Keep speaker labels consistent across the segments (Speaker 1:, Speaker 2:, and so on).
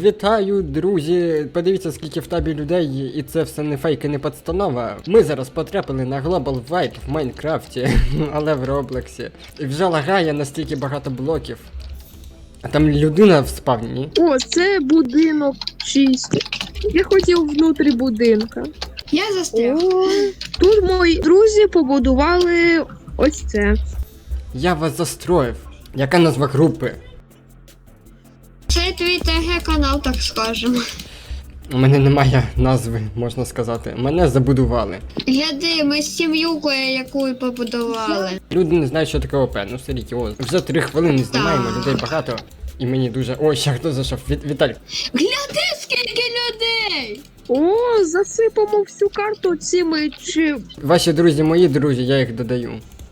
Speaker 1: Вітаю, друзі! Подивіться, скільки в табі людей, і це все не фейк і не подстанова. Ми зараз потрапили на Global Wipe в Майнкрафті, але в Роблоксі. І вже лагає настільки багато блоків. А там людина в спавні.
Speaker 2: О, це будинок чистий. Я хотів внутрі будинка.
Speaker 3: Я застряг.
Speaker 2: О, тут мої друзі побудували ось це.
Speaker 1: Я вас застроїв. Яка назва групи?
Speaker 3: Це твій ТГ-канал, так скажемо.
Speaker 1: У мене немає назви, можна сказати. Мене забудували.
Speaker 3: Гляди, ми з сім'юкою, яку побудували.
Speaker 1: Люди не знають, що таке ОП, ну серйозно. Вже 3 хвилини знімаємо, людей багато. І мені дуже... Ой, ще хто зайшов? Віталь.
Speaker 3: Гляди, скільки людей!
Speaker 2: О, засипамо всю карту цими чи...
Speaker 1: Ваші друзі, мої друзі, я їх додаю.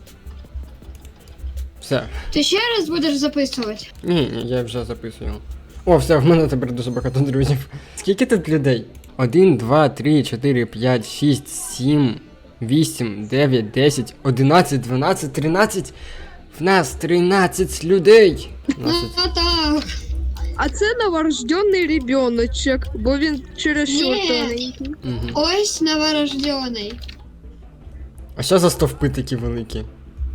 Speaker 1: Все.
Speaker 3: Ти ще раз будеш записувати?
Speaker 1: Ні, я вже записую. О, все, в мене тепер дуже багато друзів. Скільки тут людей? 1, 2, 3, 4, 5, 6, 7, 8, 9, 10, 11, 12, 13. В нас 13 людей.
Speaker 3: Ну так.
Speaker 2: А це новорожденний ребеночок, бо він через що
Speaker 3: Ні.
Speaker 2: тоненький.
Speaker 1: Угу.
Speaker 3: Ось новорождений.
Speaker 1: А що за стовпи такі великі?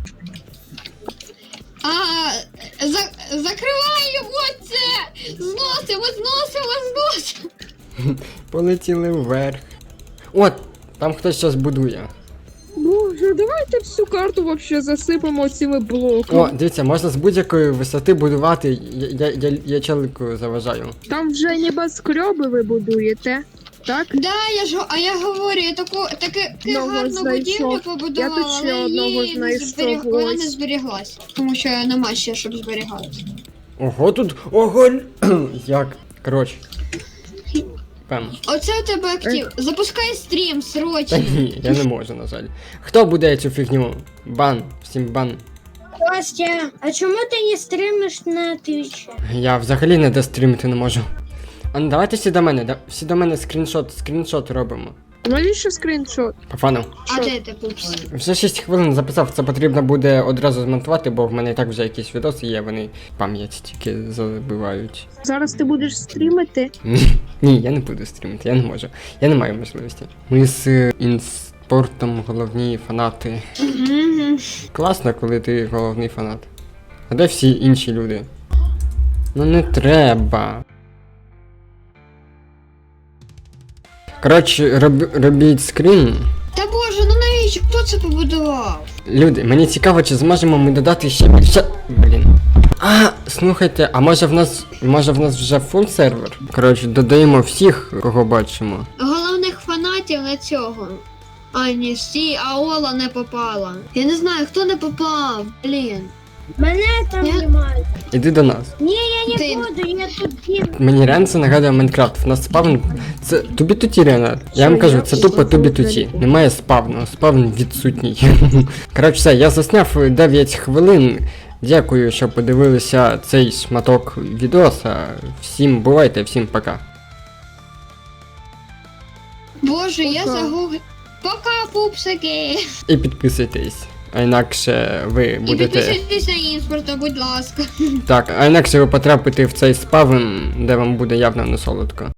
Speaker 3: Закривай його це! Зносимо!
Speaker 1: Полетіли вверх. От, там хтось щось будує.
Speaker 2: Боже, давайте всю карту вообще засипамо цими блоками.
Speaker 1: О, дивіться, можна з будь-якої висоти будувати. Я челику заважаю.
Speaker 2: Там вже небоскреби ви будуєте, так?
Speaker 3: Да, я говорю, я таке
Speaker 2: Одного
Speaker 3: гарну
Speaker 2: знайшов.
Speaker 3: будівлю
Speaker 2: Я
Speaker 3: побудувала,
Speaker 2: тут ще
Speaker 3: але
Speaker 2: одного
Speaker 3: її не
Speaker 2: знайшов,
Speaker 3: вона
Speaker 2: ось.
Speaker 3: не зберіглась. Тому що нема ще, щоб зберігалась.
Speaker 1: Ого, тут. Ого! Як? Коротше. Пем.
Speaker 3: Оце у тебе актив. Запускай стрім,
Speaker 1: Та
Speaker 3: срочно.
Speaker 1: ні, я не можу, на жаль. Хто буде цю фігню? Бан, всім бан.
Speaker 4: Костя, а чому ти не стримиш на Твічі?
Speaker 1: Я взагалі не дострімити не можу. А ну давайте всі до мене, всі до мене скріншот робимо.
Speaker 2: Навіщо скріншот?
Speaker 1: Пафану.
Speaker 3: А де ти, пупс?
Speaker 1: Вже 6 хвилин записав, це потрібно буде одразу змонтувати, бо в мене і так вже якісь відоси є, вони пам'ять тільки забивають.
Speaker 2: Зараз ти будеш стрімити?
Speaker 1: Ні, я не буду стрімити, я не можу. Я не маю можливості. Ми з інспортом головні фанати.
Speaker 3: Мгм.
Speaker 1: Класно, коли ти головний фанат. А де всі інші люди? Ну не треба. Коротше, робіть скрін.
Speaker 3: Та боже, ну навіщо? Хто це побудував?
Speaker 1: Люди, мені цікаво, чи зможемо ми додати ще більше. Блін. А, слухайте, а може в нас вже фул сервер? Коротше, додаємо всіх, кого бачимо.
Speaker 3: Головних фанатів на цього. А ні, а Ола не попала. Я не знаю, хто не попав. Блін.
Speaker 4: Мене там
Speaker 3: Ні?
Speaker 4: немає.
Speaker 1: Іди до нас.
Speaker 4: Ні, я не
Speaker 3: Ти-
Speaker 4: буду, я тут бігаю.
Speaker 1: Мені реально це нагадує Майнкрафт. В нас спавн. Це тубі-туті реально. Я вам кажу, це тупо тубі-туті. Немає спавну. Спавн відсутній. Коротше, все, я засняв 9 хвилин. Дякую, що подивилися цей шматок відоса. Всім бувайте, всім пока.
Speaker 3: Боже, я
Speaker 2: Пока.
Speaker 3: загуглив. Пока, пупсики.
Speaker 1: І підписуйтесь. А інакше ви
Speaker 3: І
Speaker 1: будете.
Speaker 3: підписуйтесь на імпорта, будь ласка.
Speaker 1: Так, а інакше ви потрапите в цей спавн, де вам буде явно не солодко.